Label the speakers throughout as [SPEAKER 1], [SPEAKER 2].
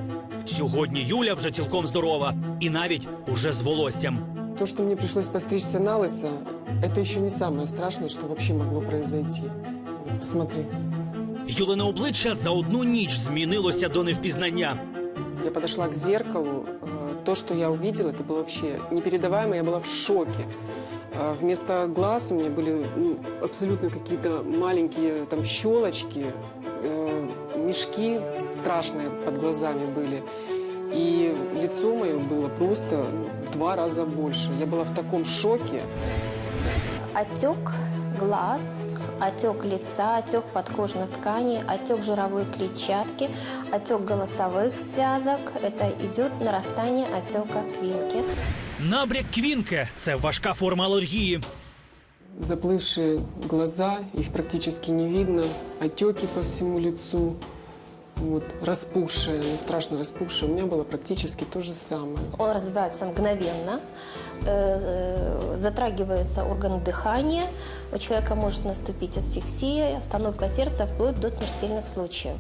[SPEAKER 1] Сьогодні Юля вже цілком здорова і навіть уже з волоссям.
[SPEAKER 2] То, что мне пришлось постричься на лысо, это еще не самое страшное, что вообще могло произойти. Посмотри.
[SPEAKER 1] Юлине обличчя за одну ніч змінилося до невпізнання.
[SPEAKER 2] Я подошла к зеркалу. То, что я увидела, это было вообще непередаваемо. Я была в шоке. Вместо глаз у меня были абсолютно какие-то маленькие там щелочки, мешки страшные под глазами были. И лицо мое было просто в 2 раза больше. Я была в таком шоке.
[SPEAKER 3] Отек глаз, отек лица, отек подкожных тканей, отек жировой клетчатки, отек голосовых связок. Это идет нарастание отека квинки.
[SPEAKER 1] Набряк квінки – це важка форма алергії.
[SPEAKER 2] Заплывшие глаза, их практически не видно. Отеки по всему лицу. Вот, распухшие, страшно распухшие. У меня было практически то же самое.
[SPEAKER 3] Он развивается мгновенно, затрагивается орган дыхания, у человека может наступить асфиксия, остановка сердца вплоть до смертельных случаев.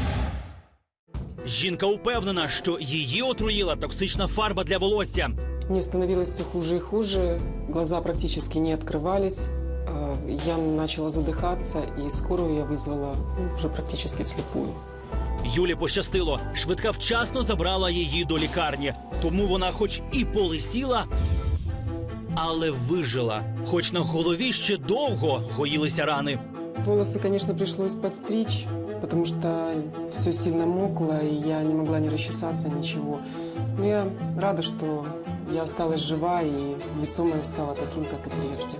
[SPEAKER 1] Жінка упевнена, що її отруїла токсична фарба для волосся.
[SPEAKER 2] Мне становилось все хуже и хуже. Глаза практически не открывались. Я начала задыхаться, и скорую я вызвала уже практически вслепую.
[SPEAKER 1] Юлі пощастило. Швидка вчасно забрала її до лікарні. Тому вона хоч і полисіла, але вижила. Хоч на голові ще довго гоїлися рани.
[SPEAKER 2] Волосы, конечно, пришлось подстричь, потому что все сильно мокло, и я не могла ни расчесаться, ничего. Но я рада, что я осталась жива, и лицо мое стало таким, как и прежде.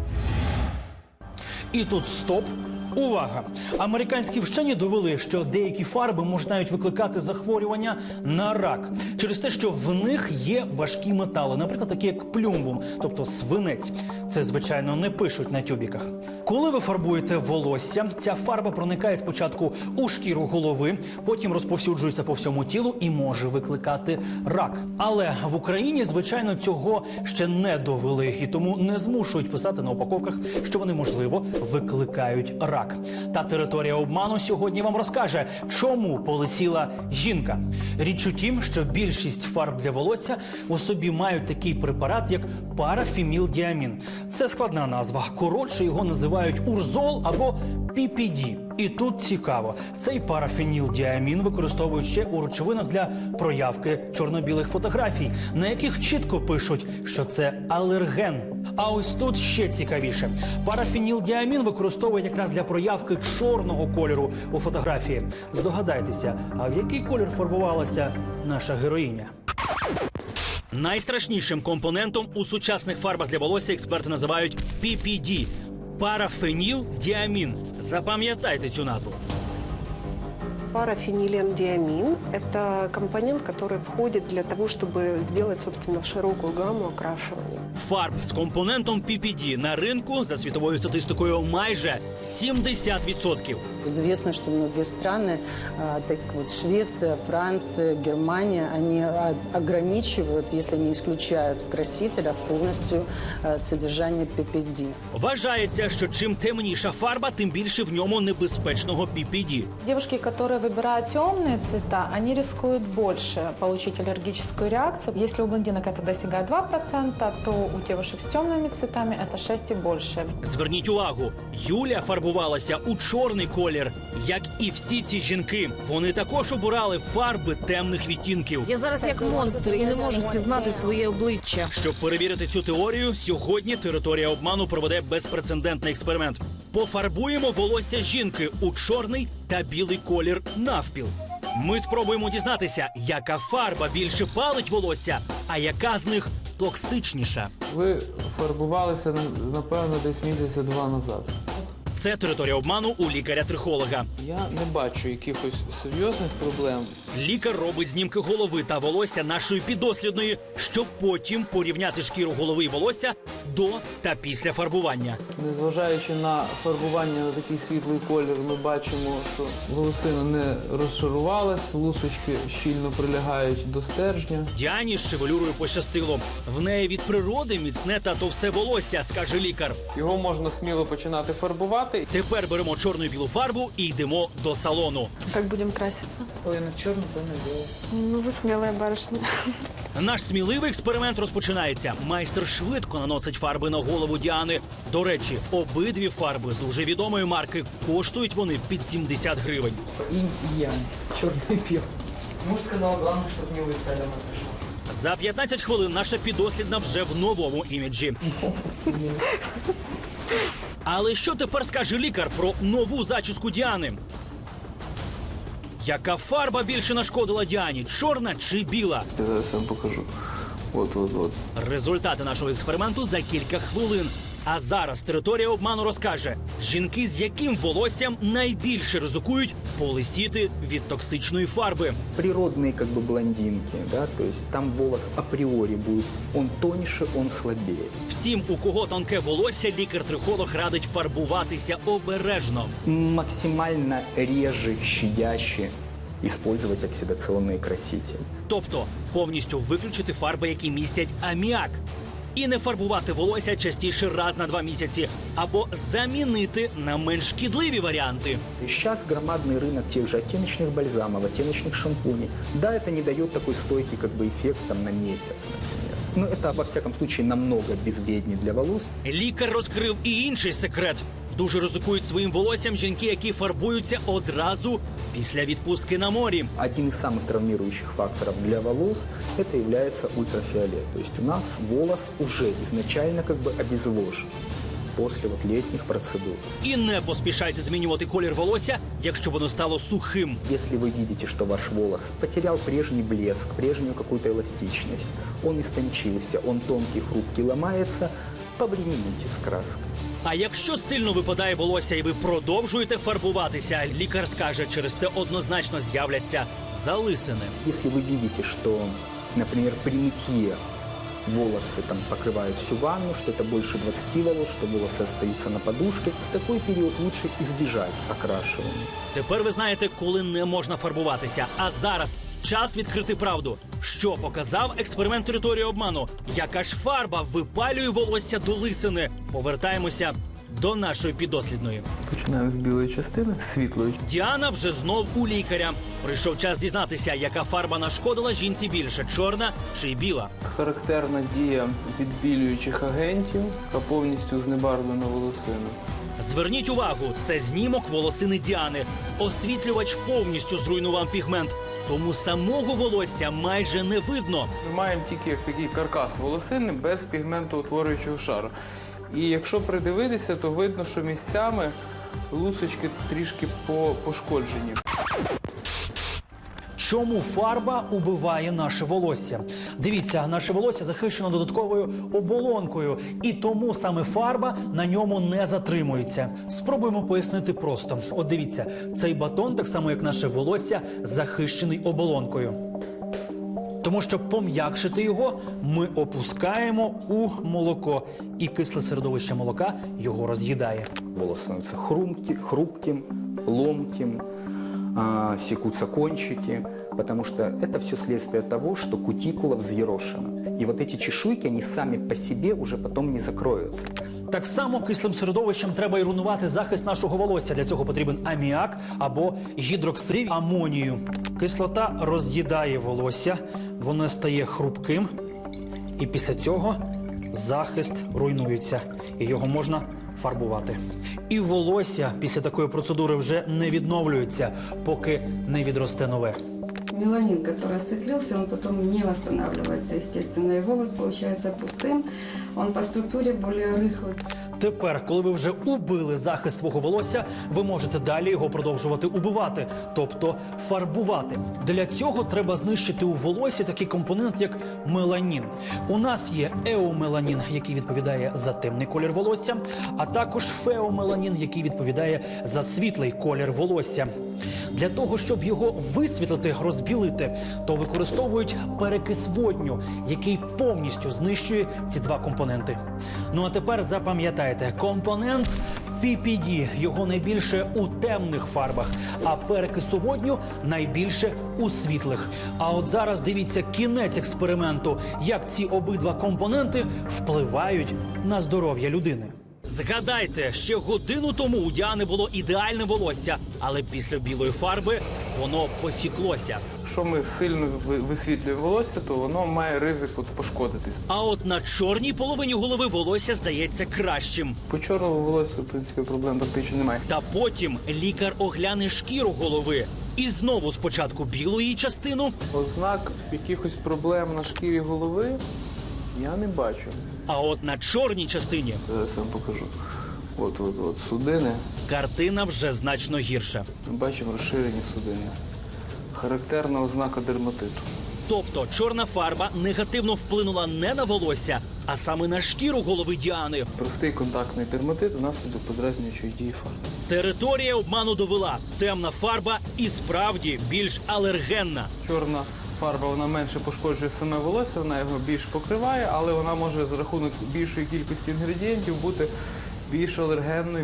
[SPEAKER 1] І тут стоп. Увага! Американські вчені довели, що деякі фарби можуть навіть викликати захворювання на рак. Через те, що в них є важкі метали, наприклад, такі як плюмбум, тобто свинець. Це, звичайно, не пишуть на тюбіках. Коли ви фарбуєте волосся, ця фарба проникає спочатку у шкіру голови, потім розповсюджується по всьому тілу і може викликати рак. Але в Україні, звичайно, цього ще не довели, і тому не змушують писати на упаковках, що вони, можливо, викликають рак. Та територія обману сьогодні вам розкаже, чому полисіла жінка. Річ у тім, що більшість фарб для волосся у собі мають такий препарат, як парафенілдіамін. Це складна назва. Коротше, його називають урзол або PPD. І тут цікаво, цей парафенілдіамін використовують ще у речовинах для проявки чорно-білих фотографій, на яких чітко пишуть, що це алерген. А ось тут ще цікавіше. Парафенілдіамін використовують якраз для проявки чорного кольору у фотографії. Здогадайтеся, а в який колір фарбувалася наша героїня? Найстрашнішим компонентом у сучасних фарбах для волосся експерти називають PPD – парафенілдіамін. Запам'ятайте цю назву.
[SPEAKER 4] Парафенилендиамин – это компонент, который входит для того, чтобы сделать, собственно, широкую гамму окрашивания.
[SPEAKER 1] Фарб з компонентом PPD на ринку, за світовою статистикою, майже 70%.
[SPEAKER 5] Известно, что многие страны, так вот Швеция, Франция, Германия, они ограничивают, если не исключают в красителях полностью содержание PPD.
[SPEAKER 1] Вважається, що чим темніша фарба, тим більше в ньому небезпечного PPD.
[SPEAKER 6] Девушки, которые выбирают темные цвета, они рискуют больше получить аллергическую реакцию. Если у блондинок это достигает 2%, то у девушек с темными цветами это 6 и больше.
[SPEAKER 1] Зверніть увагу, Юля фарбувалася у чорний колір, як і всі ці жінки. Вони також обирали фарби темних відтінків.
[SPEAKER 7] Я зараз як монстр і не можу впізнати своє обличчя.
[SPEAKER 1] Щоб перевірити цю теорію, сьогодні територія обману проведе безпрецедентний експеримент. Пофарбуємо волосся жінки у чорний та білий колір навпіл. Ми спробуємо дізнатися, яка фарба більше палить волосся, а яка з них токсичніша.
[SPEAKER 8] Ви фарбувалися, напевно, десь місяця 2 назад.
[SPEAKER 1] Це територія обману у лікаря-трихолога.
[SPEAKER 8] Я не бачу якихось серйозних проблем.
[SPEAKER 1] Лікар робить знімки голови та волосся нашої піддослідної, щоб потім порівняти шкіру голови і волосся до та після фарбування.
[SPEAKER 8] Незважаючи на фарбування на такий світлий колір, ми бачимо, що волосина не розшарувалась, лусочки щільно прилягають до стержня.
[SPEAKER 1] Діані з шевелюрою пощастило. В неї від природи міцне та товсте волосся, скаже лікар.
[SPEAKER 8] Його можна сміло починати фарбувати, фарбувати.
[SPEAKER 1] Тепер беремо чорну і білу фарбу і йдемо до салону.
[SPEAKER 4] Как будем краситься?
[SPEAKER 8] Половина чорна, половина біла.
[SPEAKER 4] Ну, вы смелая барышня.
[SPEAKER 1] Наш сміливий експеримент розпочинається. Майстер швидко наносить фарби на голову Діани. До речі, обидві фарби дуже відомої марки. Коштують вони під 70 гривень.
[SPEAKER 8] Інь і янь. Чорний і білий. Муж сказав, головне, щоб не висаляно прийшло.
[SPEAKER 1] За 15 хвилин наша підослідна вже в новому іміджі. Але що тепер скаже лікар про нову зачіску Діани? Яка фарба більше нашкодила Діані? Чорна чи біла?
[SPEAKER 8] Я зараз вам покажу. От.
[SPEAKER 1] Результати нашого експерименту за кілька хвилин. А зараз територія обману розкаже, жінки з яким волоссям найбільше ризикують полисіти від токсичної фарби.
[SPEAKER 9] Природные блондинки, да, то есть там волос априори будет, он тоньше, он слабее.
[SPEAKER 1] Всім, у кого тонке волосся, лікар-трихолог радить фарбуватися обережно.
[SPEAKER 9] Максимально реже, щадяще использовать оксидационные красители.
[SPEAKER 1] Тобто повністю виключити фарби, які містять аміак. І не фарбувати волосся частіше раз на 2 місяці. Або замінити на менш шкідливі варіанти.
[SPEAKER 9] И сейчас громадный рынок тех же оттеночных бальзамов, оттеночных шампуней. Да, это не дает такой стойкий эффект на месяц, например. Но это, во всяком случае, намного безвреднее для волос.
[SPEAKER 1] Лікар розкрив і інший секрет. Дуже ризикують своїм волоссям жінки, які фарбуються одразу після відпустки на морі.
[SPEAKER 9] Один из самых травмирующих факторов для волос – это является ультрафиолет. То есть у нас волос уже изначально обезвожен после летних процедур.
[SPEAKER 1] І не поспішайте змінювати колір волосся, якщо воно стало сухим.
[SPEAKER 9] Если вы видите, что ваш волос потерял прежний блеск, прежнюю какую-то эластичность, он истончился, он тонкий, хрупкий, ломается, повремените с краской.
[SPEAKER 1] А якщо сильно випадає волосся і ви продовжуєте фарбуватися, лікар скаже, через це однозначно з'являться залисини.
[SPEAKER 9] Если вы видите, что, например, при мытье волосы покрывают всю ванну, что это больше 20 волос, что волосы остаются на подушке, в такой период лучше избежать окрашивания.
[SPEAKER 1] Тепер ви знаєте, коли не можна фарбуватися. А зараз час відкрити правду. Що показав експеримент території обману? Яка ж фарба випалює волосся до лисини? Повертаємося до нашої підослідної.
[SPEAKER 8] Починаємо з білої частини, світлої.
[SPEAKER 1] Діана вже знов у лікаря. Прийшов час дізнатися, яка фарба нашкодила жінці більше – чорна чи біла.
[SPEAKER 8] Характерна дія відбілюючих агентів, яка повністю знебарвлена волосину.
[SPEAKER 1] Зверніть увагу, це знімок волосини Діани. Освітлювач повністю зруйнував пігмент, тому самого волосся майже не видно.
[SPEAKER 8] Ми маємо тільки такий каркас волосини без пігментоутворюючого шару. І якщо придивитися, то видно, що місцями лусочки трішки пошкоджені.
[SPEAKER 1] Чому фарба убиває наше волосся? Дивіться, наше волосся захищено додатковою оболонкою, і тому саме фарба на ньому не затримується. Спробуємо пояснити просто. От дивіться, цей батон, так само як наше волосся, захищений оболонкою. Тому, щоб пом'якшити його, ми опускаємо у молоко, і кисле середовище молока його роз'їдає.
[SPEAKER 9] Волос становится хрупким, ломким, секутся кончики, потому что это все следствие того, что кутикула взъерошена. И вот эти чешуйки, они сами по себе уже потом не закроются.
[SPEAKER 1] Так само кислим середовищем треба і руйнувати захист нашого волосся. Для цього потрібен аміак або гідроксид амонію. Кислота роз'їдає волосся, воно стає хрупким, і після цього захист руйнується, і його можна фарбувати. І волосся після такої процедури вже не відновлюється, поки не відросте нове.
[SPEAKER 10] Меланин, который осветлился, он потом не восстанавливается, естественно, и волос получается пустым, он по структуре более рыхлый.
[SPEAKER 1] Тепер, коли ви вже убили захист свого волосся, ви можете далі його продовжувати убивати, тобто фарбувати. Для цього треба знищити у волосі такий компонент, як меланін. У нас є еомеланін, який відповідає за темний колір волосся, а також феомеланін, який відповідає за світлий колір волосся. Для того, щоб його висвітлити, розбілити, то використовують перекис водню, який повністю знищує ці два компоненти. Ну а тепер запам'ятайте, компонент PPD, його найбільше у темних фарбах, а перекису водню найбільше у світлих. А от зараз дивіться кінець експерименту, як ці обидва компоненти впливають на здоров'я людини. Згадайте, ще годину тому у Діани було ідеальне волосся, але після білої фарби воно посіклося.
[SPEAKER 8] Якщо ми сильно висвітлюємо волосся, то воно має ризик пошкодитись.
[SPEAKER 1] А от на чорній половині голови волосся здається кращим.
[SPEAKER 8] По чорному волосся, в принципі, проблем практично немає.
[SPEAKER 1] Та потім лікар огляне шкіру голови. І знову спочатку білу її частину,
[SPEAKER 8] Ознак якихось проблем на шкірі голови я не бачу.
[SPEAKER 1] а от на чорній частині
[SPEAKER 8] Зараз я вам покажу. От судини.
[SPEAKER 1] картина вже значно гірша.
[SPEAKER 8] Ми бачимо розширені судини. Характерна ознака дерматиту.
[SPEAKER 1] Тобто чорна фарба негативно вплинула не на волосся, а саме на шкіру голови Діани.
[SPEAKER 8] Простий контактний дерматит внаслідок подразнюючої дії фарби.
[SPEAKER 1] Територія обману довела. Темна фарба і справді більш алергенна.
[SPEAKER 8] Чорна фарба, вона менше пошкоджує саме волосся, вона його більш покриває, але вона може за рахунок більшої кількості інгредієнтів бути більш алергенною.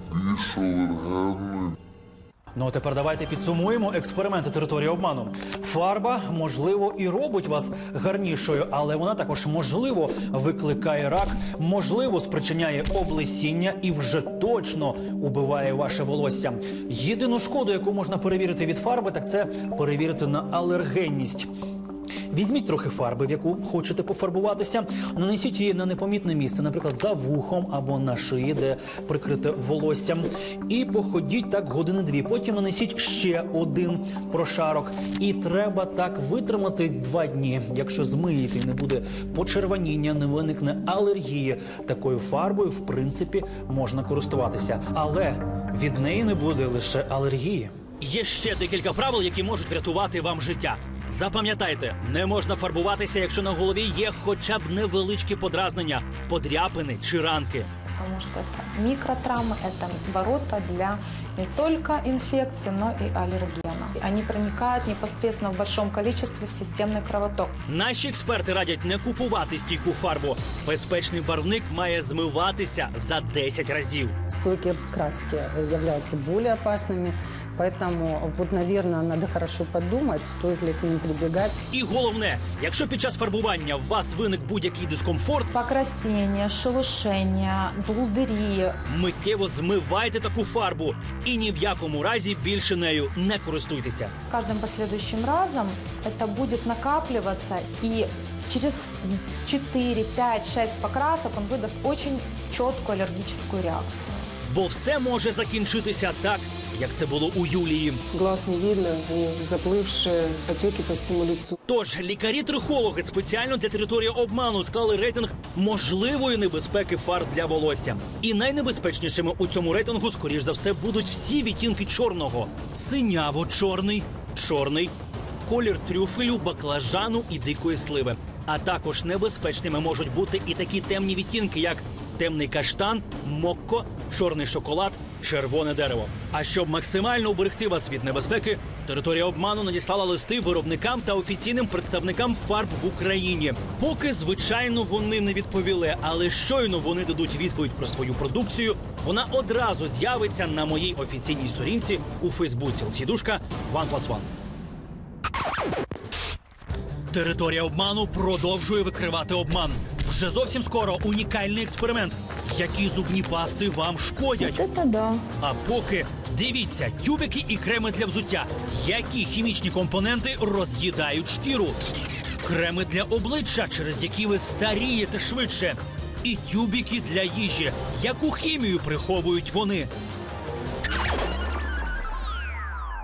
[SPEAKER 1] Ну, а тепер давайте підсумуємо експерименти території обману. Фарба, можливо, і робить вас гарнішою, але вона також, можливо, викликає рак, можливо, спричиняє облесіння і вже точно убиває ваше волосся. Єдину шкоду, яку можна перевірити від фарби, так це перевірити на алергенність. Візьміть трохи фарби, в яку хочете пофарбуватися, нанесіть її на непомітне місце, наприклад, за вухом або на шиї, де прикрите волоссям, і походіть так години-дві. Потім нанесіть ще один прошарок. І треба так витримати 2 дні. Якщо змиєте і не буде почервоніння, не виникне алергії, такою фарбою, в принципі, можна користуватися. Але від неї не буде лише алергії. Є ще декілька правил, які можуть врятувати вам життя. Запам'ятайте, не можна фарбуватися, якщо на голові є хоча б невеличкі подразнення, подряпини чи ранки.
[SPEAKER 6] Потому что это микротравмы, это ворота для не только инфекции, но и аллергена. Они проникают непосредственно в большом количестве в системный кровоток.
[SPEAKER 1] Наші експерти радять не купувати стійку фарбу. Безпечний барвник має змиватися за 10 разів.
[SPEAKER 5] Стойкие краски являются более опасными, поэтому, вот, наверное, надо хорошо подумать, стоит ли к ним прибегать.
[SPEAKER 1] І головне, якщо під час фарбування у вас виник будь-який дискомфорт,
[SPEAKER 6] Покраснение, шелушение, волдыри.
[SPEAKER 1] миттєво змивайте таку фарбу і ні в якому разі більше нею не користуйтеся.
[SPEAKER 6] С каждым последующим разом это будет накапливаться, и через 4, 5, 6 покрасок он выдаст очень четкую аллергическую реакцию.
[SPEAKER 1] Бо все може закінчитися так, як це було у Юлії.
[SPEAKER 2] Глаз не видно, они заплывшие, отеки по всему лицу.
[SPEAKER 1] Тож лікарі-трихологи спеціально для території обману склали рейтинг можливої небезпеки фарб для волосся. І найнебезпечнішими у цьому рейтингу, скоріш за все, будуть всі відтінки чорного. Синяво-чорний, чорний, колір трюфелю, баклажану і дикої сливи. А також небезпечними можуть бути і такі темні відтінки, як темний каштан, мокко, чорний шоколад, червоне дерево. А щоб максимально уберегти вас від небезпеки, територія обману надіслала листи виробникам та офіційним представникам фарб в Україні. Поки, звичайно, вони не відповіли, але щойно вони дадуть відповідь про свою продукцію, вона одразу з'явиться на моїй офіційній сторінці у Фейсбуці. Олексій OnePlus1. Територія обману продовжує викривати обман. Вже зовсім скоро унікальний експеримент. Які зубні пасти вам шкодять?
[SPEAKER 6] Это да.
[SPEAKER 1] А поки дивіться, тюбики і креми для взуття. Які хімічні компоненти роз'їдають шкіру? Креми для обличчя, через які ви старієте швидше. І тюбики для їжі. Яку хімію приховують вони?